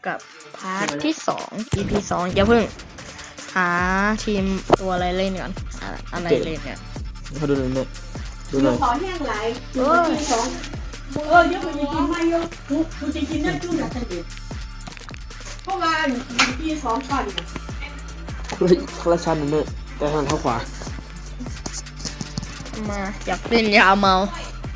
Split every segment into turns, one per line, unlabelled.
กับพาร์ทที่2 EP 2อย่าเพิ่งหาทีมตัวอะไรเล่นก่อนอะไรเล่นเนี่ย
เขาดูหน่อยเนี่ยดูหน่อย
ขอแห้งไหลทีสองเยอะกว่านี้กินไม่เยอะกูจะกินได้จุ่มแบบนี้เพราะว่าทีสองก่อน
คลาชันนั่นเนี่ยแต่ทางเท้าขวา
มาอยากเล่นยาเมา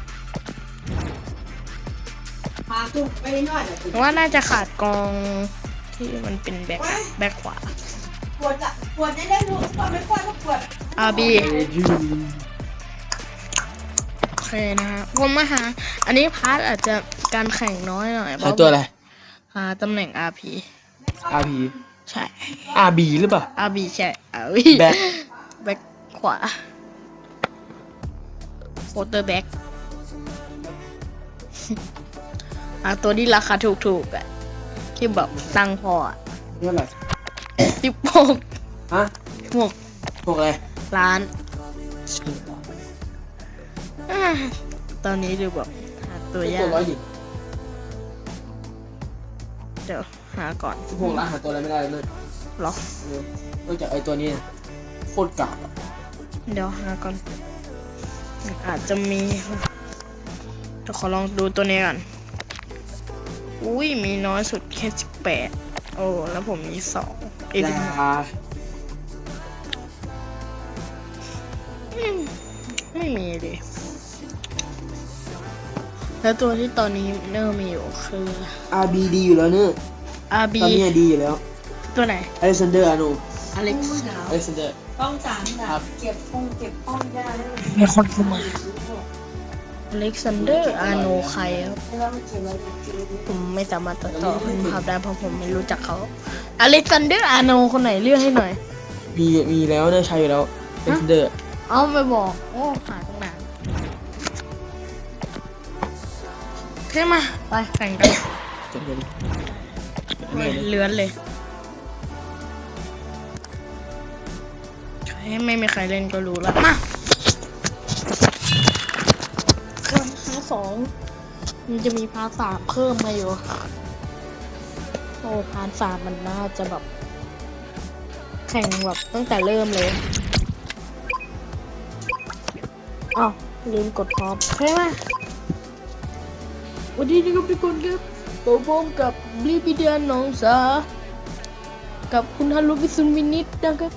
ว่าน่าจะขาดกองที่มันเป็นแบ็คขวา
ปวดได้รู้ปวดไม่ปวดก็ปวด
RB โอเคนะฮะผมมาหาอันนี้พาร์ทอาจจะการแข่งน้อยหน่อย
หาตัวอะไร
หาตำแหน่ง RP ใช่
RB หรือเปล่า
RB ใช่ RB แบ็คขวาโคเตอร์แบ็คตัวที่ราคาถูกๆอ่ะที่แบบตังพออ่ะ
เท่าไหร่
16ฮะ6
อะไร
ล้านตอนนี้ดูแบบหาตัวยากเดี๋ยวหาก่อน
6 ล้านหาตัวอะไรไม่ได้เลย
หรอ
เนื่องจากไอ้ตัวนี้โคตรกาก
เดี๋ยวหาก่อนอาจจะมีจะขอลองดูตัวนี้ก่อนอุ้ยมีน้อยสุดแค่18โอ้แล้วผมมี2ไม่มีดิแล้วตัวที่ตอนนี้เนอร์มีอยู่คือ
RB ดีอยู่แล้วเนอะ
RB
ตอนนี้ดีอยู่แล้ว
ตัวไหน
Alexander Arnold
อเล็กซ์
Alexander
ต้องจานแบบเก็บห้องได้
มีคนเข้ามาอเล็กซานเดอร์อาร์โนใครครับผมไม่สามารถตัดต่อเป็นภาพได้เพราะผมไม่รู้จักเขาอเล็กซานเดอร์อาร์โนคนไหนเลือกให้หน่อย
มีแล้วเนี่ยใช่อยู่แล้ว Alexander
เอาไปบอกโอ้หาตั้งนานขึ้นมาไปแข่งกันเลื้อนเลยไม่มีใครเล่นก็รู้แล้วมา2มันจะมีพาร์ท 3เพิ่มมาอยู่โอ้พาร์ท 3มันน่าจะแบบแข่งแบบตั้งแต่เริ่มเลยอ้าวลืมกดพร้อมใช่ไหมวันนี้นี่ก็เป็นคนครับผมกับลิบิเดียนน้องสากับคุณฮารุบิซุนวินิตนะครับ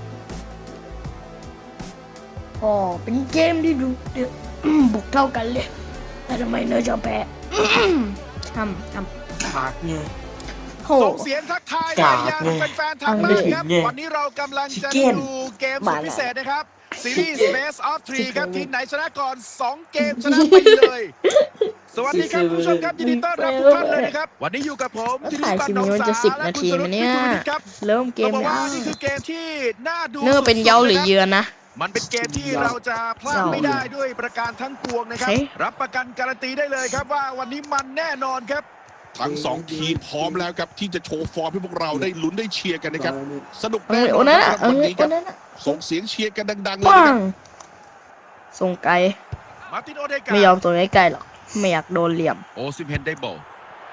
อ๋อเป็นเกมที่ดูบุกเท่ากันเลยแต่ทำไมเนอจะแพ้ทำ
กากเนี่ย
ส่งเสียงทักทายไปยังแฟนๆทางบ้านครับวันนี้เรากำลังจะดูเกมสุดพิเศษนะครับซีรีส์ Best of 3ครับทีมไหนชนะก่อน2เกมชนะไปเลยสวัสดีครับผู้ชมครับยินดีต้อนรับทุกท่านเลยนะครับวันนี้อยู่กับผมที่นี่บ้านน้องสาและคุณสรุปวิทูลครับ
เริ่มเกม
แล้วนี่คือเกมที่น่าดู
เนอเป็นเย้าหรือเยือนนะ
มันเป็นเกมที่เราจะพลาดไม่ได้ด้วยประการทั้งปวงนะครับรับประกันการันตีได้เลยครับว่าวันนี้มันแน่นอนครับ
ทั้ง2ทีมพร้อมแล้วครับที่จะโชว์ฟอร์มให้พวกเราได้ลุ้นได้เชียร์กันนะครับสนุกแน่นอนครับวันนี้ครับส่งเสียงเชียร์กันดังๆเลยนะครับ
ส่งไกลไม่ยอมส่งไกลหรอกไม่อยากโดนเหลี่ยม
โอซิมเฮนได้บอล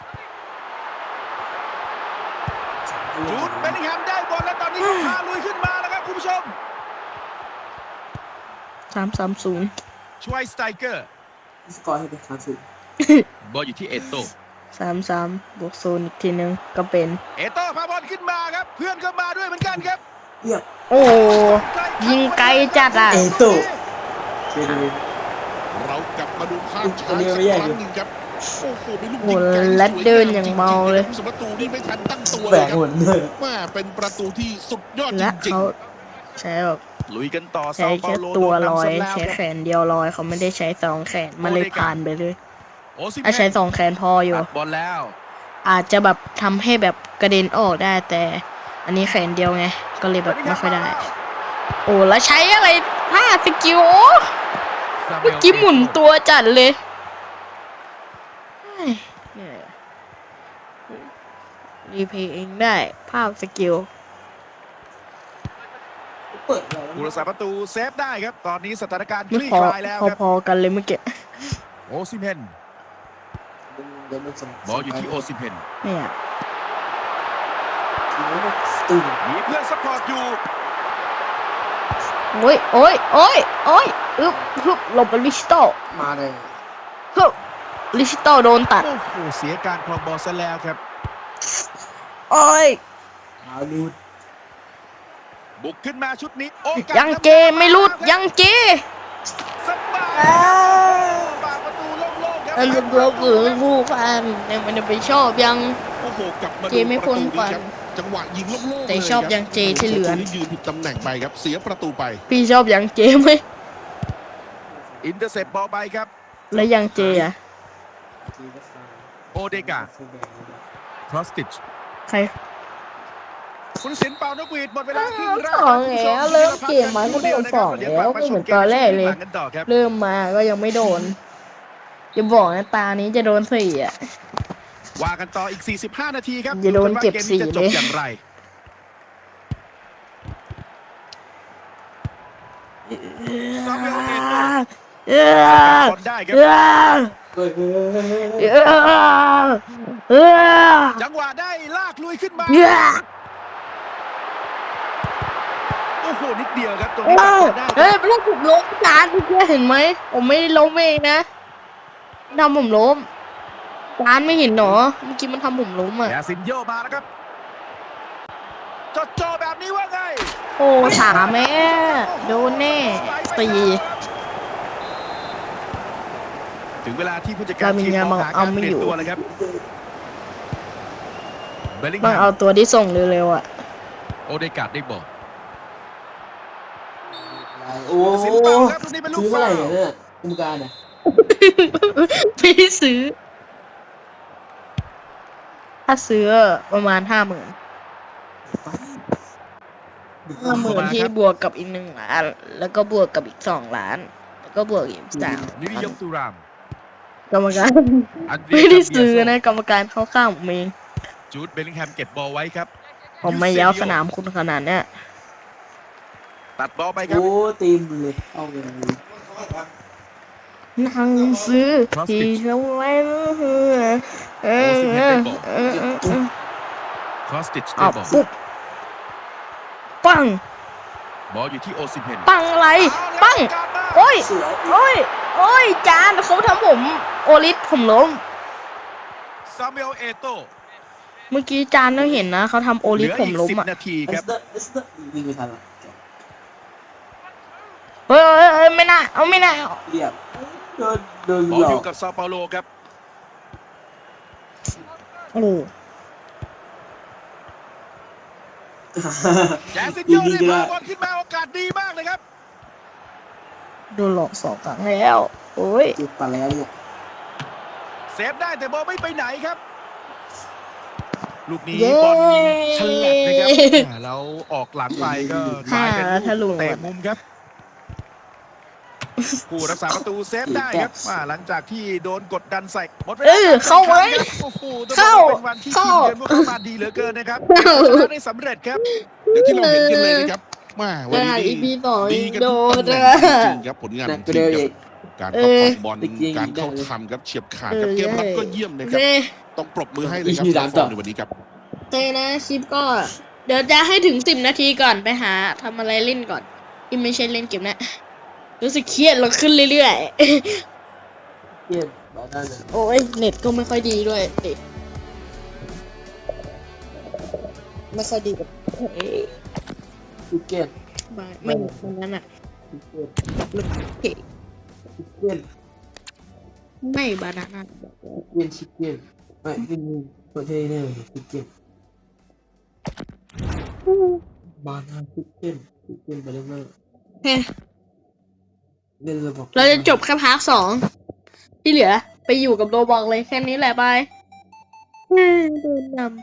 จูดเบลลิงแฮมได้บอลแล้วตอนนี้เขาพาลุยขึ้นมาแล้วครับคุณผู้ชม
3-30
ชไวสไตเกอร์
สกอร์ให้เป็น
บอลอยู่ที่เอโต้
3-3บวก0อีกทีนึงก็เป็น
เอโต้พาบอลขึ้นมาครับเพื่อนก็มาด้วยเหมือนกันครับ
โอ้ยิงไกลจัดอ่ะ
เอโต้
เรากลับมาดูภาพช้าสักครั้งนึงครับโอ้โหเป็นลูกยิงไกล
และเดินอย่างเมาเลย
ประตูนี่ไม่ทันตั้งตัวเลยครับว่าเป็นประตูที่สุดยอดจริง
ๆใช่แบบ
ลุยกันต่อ
ใช้แค่ตัวลอยใช้แขนเดียวลอยเขาไม่ได้ใช้2แขนมันเลยผ่านไปเลยใช้2แขนพออยู่
บอลแล้ว
อาจจะแบบทำให้แบบกระเด็นออกได้แต่อันนี้แขนเดียวไงก็เลยแบบไม่ค่อยได้โอ้แล้วใช้อะไร5สกิลเมื่อกี้หมุนตัวจัดเลยรีเพย์เองได้ภาพสกิล
ผู้รักษาประตูเซฟได้ครับตอนนี้สถานการณ์คลี่คลายแล้วครับ
พอกันเลยเมื่อกี้
โอซิมเฮนบอลอยู่ที่โอซิมเฮน
เนี่ย
ตึง
มีเพื่อนซัพพอร์ตอยู่
โอ้ยฮึบหลบลิชิโต
มาเลย
ฮึบลิชิโตโดนตัด
โอ้โหเสียการครองบอลซะแล้วครับ
โอ้ย
ขาลูด
บุกขึ้นมาชุดนี้โอกาส
ยังเจไม่รุดยังเจ
สบายปากประตูโล่งๆครับ
อันจะเบื่อเบื่อผู้พันเนี่ยมันจะไปชอบยัง
โอ้โหกลับมา
เจ
ดู
ไม่
ประ
พ้น
ตู
ก่อ
นี้
น
ครับจังหวะยิงโล่งๆ
แต่
เลย
ชอบ
ครับ
ยังเจที่เหลือ
โโยืนผิดตำแหน่งไปครับเสียประตูไป
พี่ชอบยังเจไหม
อินเตอร์เซปบอลไปครับ
แล้วยังเจอ่ะ
โอเดกาครอสติช
ใคร
คุณศิลป์เป่านกหวีดหมดเวลาครึ่งแรก
สองแล้วเริ่มเกมมาก็โดนสองแล้วก็เหมือนตอนแรกเลย
กันต่อครับ
เริ่มมาก็ยังไม่โดนจะบอกนะตานี้จะโดนสี่อ่ะ
ว่ากันต่ออีก 45 นาทีครับ
อย่าโดนเจ็บ
ว่าเกมนี้จะจบ
4เลย
อย่างไร ซามูเอลเอโต้
เออบ
อลได้ครับ
เออ
เฮ้ย
เออเออ
จังหวะได้ลากลุยขึ้นมา
เออ
โอ้โห นิดเดียวครับตรงนี้
เอ
ตัด
อบ
อลได้ค
เฮ้ย
รับ
ลูกผมล้มจานเมื่อกี้เห็นไหมผมไม่ได้ล้มเองนะทำผมล้มจานไม่เห็นหรอเมื่อกี้มันทำผมล้มอ่ะ
ยาซินโยมาแล้วครับจอแบบนี้ว่าไง
โอ้ถามแม่โดนแน่ตี
ถึงเวลาที่ผู้จัดการ
ลามิน
ทีม
ยาม
องหา
เอา
การ
ไม่
เปลี่ย
อยู่
นตัวเลยครับเบลลิง
ต้อง
แฮ
เอา
ม
ตัวที่ส่งเร็วๆอ่ะ
โอเดกาดได้บอล
โอ้
สินเป่าครับตรงนี้เป็นลู
ซื้
ก
อเมื่อ
ฟา
ไหร่
วล์
เนี่ยกรรมการเนี่ย
ไม่ได้ซื้อ ถ้าซื้อประมาณ50,000ที่บวกกับอีก1 ล้าน แล้วก็บวกกับอีก2 ล้าน แล้วก็บวกอีก3
นิริยมตุราม
กรรมการ
อันเดรี
ไม่
ย
ได้ซื้อ
คาเบียโซ
นะกรรมการเข้าข้างผมเอง
จูดเบลลิงแฮมเก็บบอลไว้ครับ
ผมไม่ย้าวสนามคุณขนาดเนี้ย
ตัดบอลไปครับ
โอ้ตีมเลยเอาเลย
นั่งซื้อที่เขาไว้
ครอสติชได้
เอา
บอล
ปุ๊บปัง
บอลอยู่ที่โอซิมเฮน
ปังอะไร ปัง โอ้ย
สวย
โอ้ย จานเขาทำผม โอลิสผมล้ม
ซามูเอลเอโต้
เมื่อกี้จานต้องเห็นนะเขาทำโอ
เห
ลิ
ลื
ส
อ
ผ
อี
ม
ก
ล้ม
10
อ่ะ
นาที
เอ
ครับ
สเตอร์วิ่งไม่ทันละ
เฮ้ยไม่น่าเอาไม่น่า
เรียบโดน
บอล
หลอ
อยู่
ก
กับซาเปาโลครับ
โอ้
แจสินโยได้พาบอลขึ้นมาโอกาสดีมากเลยครับ
โดนหลอก2 ครั้งแล้ว โอ้ย
จุดปลาแล้วเนี่ย
เซฟได้แต่บอลไม่ไปไหนครับ ลูกนี้
เย้
บอลฉลับนะครับแล้วออกหลังไปก็กลายเป็น
ทะลุ
ลูกเตะมุมครับ ผู้รักษาประตูเซฟได้ครับหลังจากที่โดนกดดันใส่หมดเวลา
เข้าไว้
ครับโอ้โหต้องบอกว่าเป็นวันที่ทีมเยือนพวกเขามาดีเหลือเกินนะครับชนะได้สำเร็จครับ
เดี๋ยวที่เราเห็นกันเลยนะครับมาวันนี้
อีพีสอง
ดีกัน
โด
ทุก
น
ตำแหน่
อะ
งจริงๆครับผลงาน
หนั
ข
ก
อง
ก็
ที
เดิ
ม
น
ค
อี
รับ
ก
การประคองบอลการเข้าทำครับเฉียบขาดครับเกมรับก็เยี่ยมเลยครับ
เน่
ต้องปรบมือให้เลยครับ
อีก
สำหรับ
สามต่อ
ฟอร์มในวันนี้ครับ
เต้นะคลิปก็ เดี๋ยวจะให้ถึง10 นาทีก่อนไปหาทำอะไรเล่นก่อนที่ไม่ใช่เล่นเกมนะรู้สึกเครียดเราขึ้นเรื่อย
เยี่ยมมาได้เลย
ๆ โอ้ยเน็ตก็ไม่ค่อยดีด้วยเน็ตไม่ค่อยดีกับเอ้ย
ชิคเก้น
ไม่วันนั้นอ่ะ
ชิคเก้น
เฮ้ย
ชิคเก้น
ไม่บานาน่า
ชิคเก้นไม่เป็นประเทศเนี่ยชิคเก้นบานาชิคเก้นไปเรื่อย
เฮ้ย
ๆเล่นระบบ
เราจะจบแค่พาร์ท 2ที่เหลือไปอยู่กับโรบอกเลยแค่นี้แหละบายโดนนำ